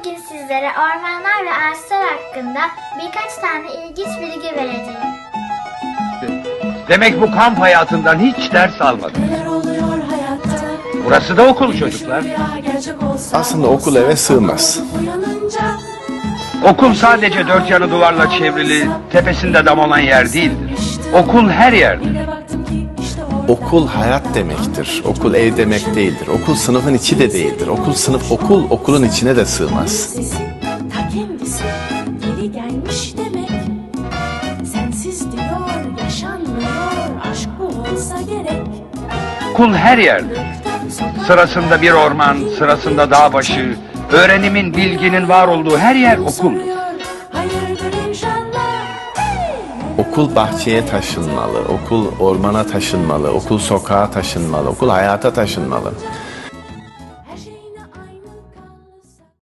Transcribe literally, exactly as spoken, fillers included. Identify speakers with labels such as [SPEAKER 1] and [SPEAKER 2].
[SPEAKER 1] Bugün sizlere ormanlar ve ağaçlar hakkında birkaç tane ilginç bilgi vereceğim.
[SPEAKER 2] Demek bu kamp hayatından hiç ders almadın. Burası da okul çocuklar.
[SPEAKER 3] Aslında okul eve sığmaz.
[SPEAKER 2] Okul sadece dört yanı duvarla çevrili, tepesinde dam olan yer değildir. Okul her yerdir.
[SPEAKER 3] Okul hayat demektir. Okul ev demek değildir. Okul sınıfın içi de değildir. Okul sınıf okul okulun içine de sığmaz.
[SPEAKER 4] Ta kendisi geri gelmiş demek. Sensiz diyor yaşanmıyor, aşk bu olsa gerek.
[SPEAKER 2] Okul her yerdir. Sırasında bir orman, sırasında dağ başı, öğrenimin, bilginin var olduğu her yer okuldur.
[SPEAKER 4] Hayırdır inşallah.
[SPEAKER 3] Okul bahçeye taşınmalı, okul ormana taşınmalı, okul sokağa taşınmalı, okul hayata taşınmalı.